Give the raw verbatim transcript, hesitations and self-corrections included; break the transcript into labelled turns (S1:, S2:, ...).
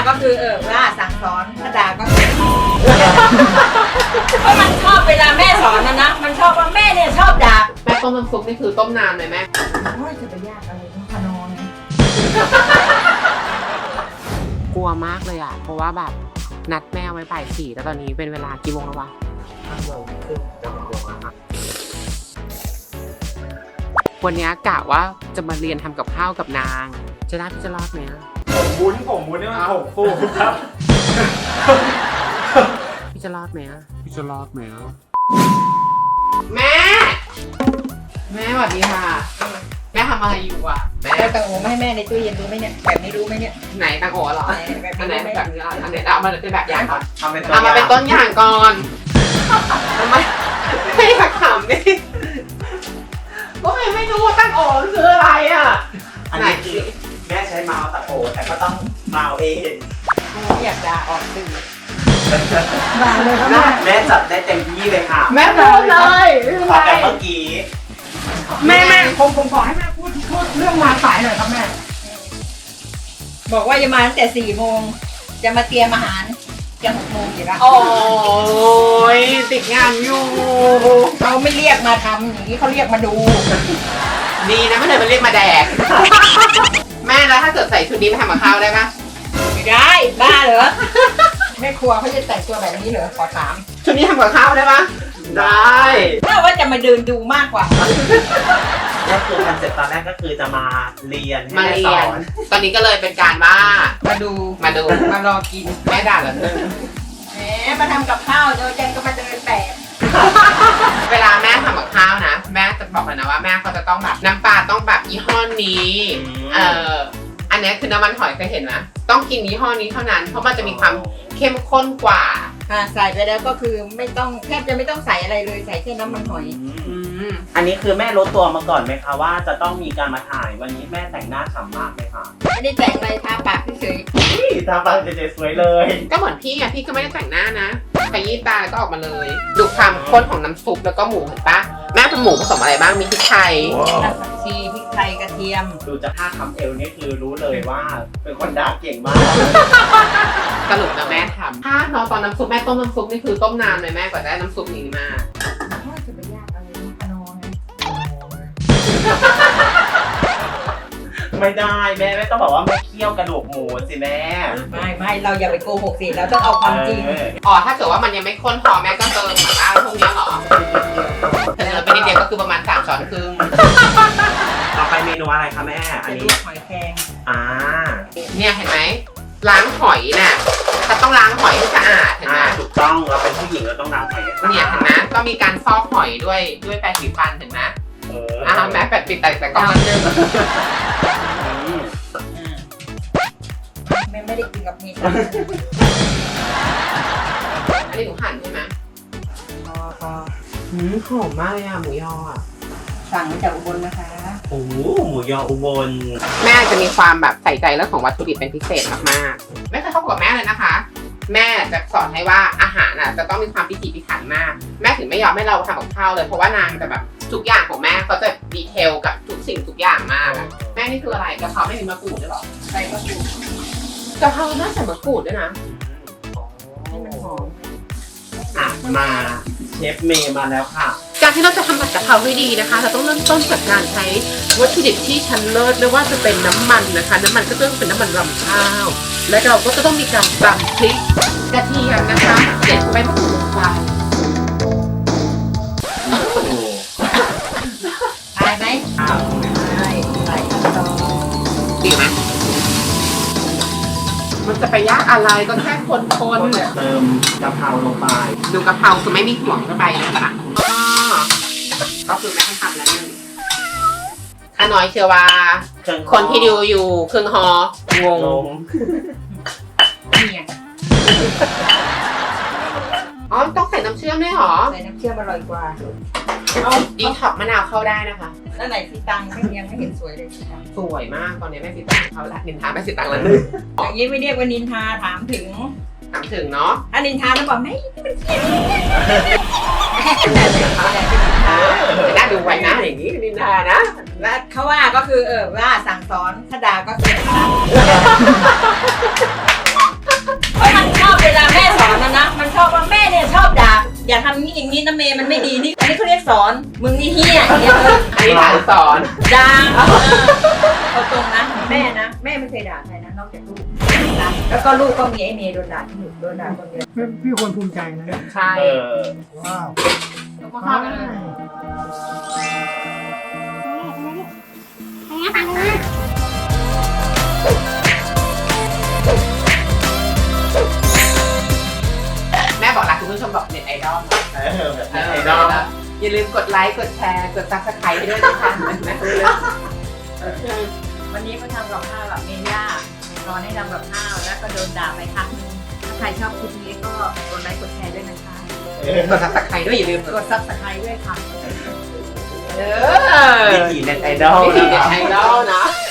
S1: ก็คือเออว่าสั่งสอนถ้าด่าก็คือเพราะมันชอบเวลาแม่สอนนะนะมันชอบว่าแม่เนี่ยชอบด่า
S2: แม่ต้มน้ำซุปนี่คือต้มนานไหมแม่
S1: โอ้ยจะไปยากอะไรต้องพนอนไง
S2: กลัวมากเลยอ่ะเพราะว่าแบบนัดแม่ไว้บ่ายสี่แล้วตอนนี้เป็นเวลากี่โมงแล้ววะห้าโมงครึ่งจะหกโมงแล้วค่ะวันนี้กะว่าจะมาเรียนทำกับข้าวกับนางจะได้พี่จะรอดไหม
S3: ผมวุ้นผมวุ้นนี่มันผมฟูครับ
S2: พี่จะรอดไหมพี่จะรอดไหมแม่แม่สวัสดีค่ะแม่ทำอะไรอยู่อ่ะแม่
S1: แล้วตังโอไม่ให้แม่ในตู้เย็นรู้ไหมเนี่ยแบบนี้รู้ไหมเนี่ย
S2: ไหนตังโอเหรอ
S1: แบบ
S2: อันไหน
S1: นี้
S2: แบบนี้อันไหนเอามาเป็นแบบอย่างก่อน
S3: ทำเป็นตัว
S2: เอามาเป็นต้นอย่างก่อนทำไมไม่อยากขำนี่ก็ไม่ไม่รู้ว่าตั้งโอคืออะไรอ่ะ
S3: อันนี้คือแม่ใช้เมาส์ตะโอแต่ก็ต้องเมาเอง
S1: อยากด่าออกสื่อด่าเลยครับ
S3: แม่จัดได้เต็มที่เลยค่ะ
S2: แม่พูดเลย
S3: ขอแต่เมื่อกี้
S2: แม่แม่
S1: ผมผมขอให้แม่พูดพูดเรื่องมาสายหน่อยครับแม่บอกว่าจะมาตั้งแต่สี่โมงจะมาเตรียมอาหารจะหกโมงอยู่แล้ว
S2: โอ้ยติดงานอยู่
S1: เขาไม่เรียกมาทำอย่างนี้เขาเรียกมาดู
S2: ดีนะไม่เลยมันเรียกมาแดกแม่แล้วถ้าเกิดใส่ชุดนี้ไปทำกับข้าวได้ปะ
S1: ไม่ได้บ้าเหรอแม่ครัวเขาจะแต่งตัวแบบนี้เหรอขอถาม
S2: ชุดนี้ทำกับข้าวได้ปะได้
S1: ถ้าว่าจะมาเดินดูมากกว่า
S3: ก็คือคอนเซ็ปต์ตอนแรกก็คือจะมาเรียน
S2: มา
S3: ให้
S2: เรี
S3: ส
S2: ย
S3: อน น
S2: ตอนนี้ก็เลยเป็นการว่า
S1: มาดู
S2: มาดู
S1: มารอกิน
S2: แม่ด่าแล้วนึง
S1: แหมมาทำกับข้าวเดี๋ยวเจนก็มาเดินแบบ
S2: เวลาแม่ทำกับข้าวนะแม่จะบอกเลยนะว่าแม่เขาจะต้องแบบน้ำปลาต้องแบบยี่ห้อนี้เอออันนี้คือน้ำมันหอยเคยเห็นไหมต้องกินยี่ห้อนี้เท่านั้นเพราะมันจะมีความเข้มข้นกว่า
S1: อ่าใส่ไปแล้วก็คือไม่ต้องแทบจะไม่ต้องใส่อะไรเลยใส่แค่น้ำมันหอย
S2: อืม
S3: อันนี้คือแม่รู้ตัวมาก่อนไหมคะว่าจะต้องมีการมาถ่ายวันนี้แม่แต่งหน้าฉ่ำมากเลยค่ะ
S1: ไม่ได้แต่งอะไรทาปากเฉย
S3: นี่ตาฟังเฉยๆสวยเลย
S2: ก็เหมือนพี่อะพี่ก็ไม่ได้แต่งหน้านะขยี้ตาแล้วก็ออกมาเลยดูความข้นของน้ำซุปแล้วก็หมูเห็นปะแม่เป็นหมูผสมอะไรบ้างมีพริกไทย
S1: ๆน้ำผักชีพริกไทยกระเทียม
S3: ดูจากท่าทำเอวนี่คือรู้เลยว่าเป็นคนด่าเก่งมาก
S2: สรุปนะแม่ทำถ้าน้องตอนน้ำซุปแม่ต้มน้ำซุปนี่คือต้มนานเลยแม่กว่าจะได้น้ำซุปนี้มา
S1: จะไปยากอะไรพนอนไง
S3: ไม่ได้แม่แม่ต้องบอกว่าแม่เคี่ยวกระดูกหมูสิแม่
S1: ไม่ไม่เราอย่าไปโกหกสิเราต้องเอาความจริง
S3: เออ
S2: อ๋อถ้าเกิดว่ามันยังไม่ข้นพอแม่ก็เติมแบบว่าพวกนี้เหรอเติมไปนิดเดียวก็คือประมาณสามช้อนครึ่ง
S3: ต่อไปเมนูอะไรคะแม่อัน
S1: จะล
S3: นี้
S1: วกหอยแครง
S3: อ่า
S2: เนี่ยเห็นไหมล้างหอยน่ะถ้าต้องล้างหอยให้สะอาดเห็นไหม
S3: อ่าถูกต้องเราเป็นผู้หญิงเราต้องล้างแผล
S2: เนี่ยเห็นไหมก็มีการฟอกหอยด้วยด้วยแปรงสีฟันเห็นไหม
S3: เออ
S2: อ่าแม่แปดปิดแต่แต่ก็มันเจอ
S3: อืม
S1: ไม่ไม่ได้กินกับมีด
S2: อันนี้หนูหั่นใช่ไหม
S1: พอพอ
S2: หืมหอมมากเลยอะหมูยออะ
S1: สั่งมาจากอุบลนะคะ
S3: โอ้โหหมูยออุบล
S2: แม่จะมีความแบบใส่ใจเรื่องของวัตถุดิบเป็นพิเศษมากๆไม่เคยเข้ากับแม่เลยนะคะ แม่จะสอนให้ว่าอาหารน่ะจะต้องมีความพิถีพิถันมาก แม่ถึงไม่ยอมให้เราทำกับข้าวเลยเพราะว่านางจะแบบทุกอย่างของแม่เขาจะดีเทลกับทุกสิ่งทุกอย่างมากอะแม่นี่คืออะไรกะเพราไม่มีมะกรูดด้วยหรอ
S1: ใส่มะกรูด
S2: กะเพราน่าใส่มะกรูดด้วยนะ
S1: ให้มันหอม
S3: อ่ะมาเชฟเมย์มาแล้วค่ะ
S2: การที่เราจะทำผัดกะเพราให้ดีนะคะ เราต้องเริ่มต้นจากการใช้วัตถุดิบที่ชั้นเลิศไม่ว่าจะเป็นน้ำมันนะคะ น้ำมันก็ต้องเป็นน้ำมันรำข้าว และเราก็จะต้องมีการตำพริกกระเทียมนะคะเด็ดไปมะกรูดลงไป
S1: ตายไหม
S3: อ้าว
S1: ใช่ใส่ขั้นตอน
S2: ดีไหมมันจะไปยากอะไรก็แค่คนคน
S3: เติมกะเพราลงไป
S2: ดูกะเพราคือไม่มีห่วงเข้าไปนะคะอ๋อก็คือไม่ให้ทำแล้วนึงข้าน้อยเชื่อว่า
S3: เครื่อง
S2: คนที่ดูอยู่ครึ่งฮองง
S3: ลง
S1: นี่ไง
S2: อ๋อต้องใส่น้ำเชื่อมด้วยเหรอ
S1: ใส่น้ำเชื่อมอร่อยกว่า
S2: เอาดีท็อกมะนาวเข้าได้นะคะ
S1: แล้วไหนสีตังไม่ยังไม่เห็นสวยเลยสีตัง
S2: สวยมากตอนนี้แม่สิตังเขาละนินทาแม่สิตังแล้วนึง
S1: อย่างนี้ไม่เรียกว่านินทาถามถึง
S2: ถามถึงเนาะ
S1: ถ้านินทาแล้วบอกไม่มันเกลียดแต่เป็นนินทา
S2: จะน่าดูไว้นะอย่างนี้นินทานะ
S1: แล้วเขาว่าก็คือเออว่าสั่งสอนถ้าด่าก็คืออย่าทำนี่อย่างนี้นะเมย์มันไม่ดีนี่อันนี้เขาเรียกสอนมึงนี่เฮี้ยอย่างเงี้ย
S2: อันนี้ฐานสอน
S1: ดังเอาตรงนะแม่นะแม่ไม่เคยด่าใครนะนอกจากลูกนะแล้วก็ลูกก็มีไอ้เมย์โดนด่าที่หนูโดนด่าคนเดียว
S4: พี่ควรภูมิใจนะ
S2: ใช่
S3: เออ
S4: ว้าว
S1: แล้วก็เข้ากันเลย
S2: แม่บอกรักคุณผู้ชมบอกเน็ตไอดอล
S3: เออแบบ
S2: เอ
S3: ไอ
S2: อ
S3: ดอล
S2: อย่าลืมกดไลค์กดแชร์กดซับสไครต์ให้ด้วยนะคะนะ
S1: วันนี้มาทำกับข้าวแบบเมย่าสอนให้ทำกับข้าวแล้วก็โดนด่าไปครั้งนึงถ้าใครชอบคลิปนี้ก็กดไลค์กดแชร์ด้วยนะคะ
S2: กดซับสไครต์ด้วยอย่าลืม
S1: กดซับสไครต์ด้วยค่ะ
S2: เออ
S3: วิถีเน็ตไอดอล
S2: วิธีเน็ตไอดอลนะ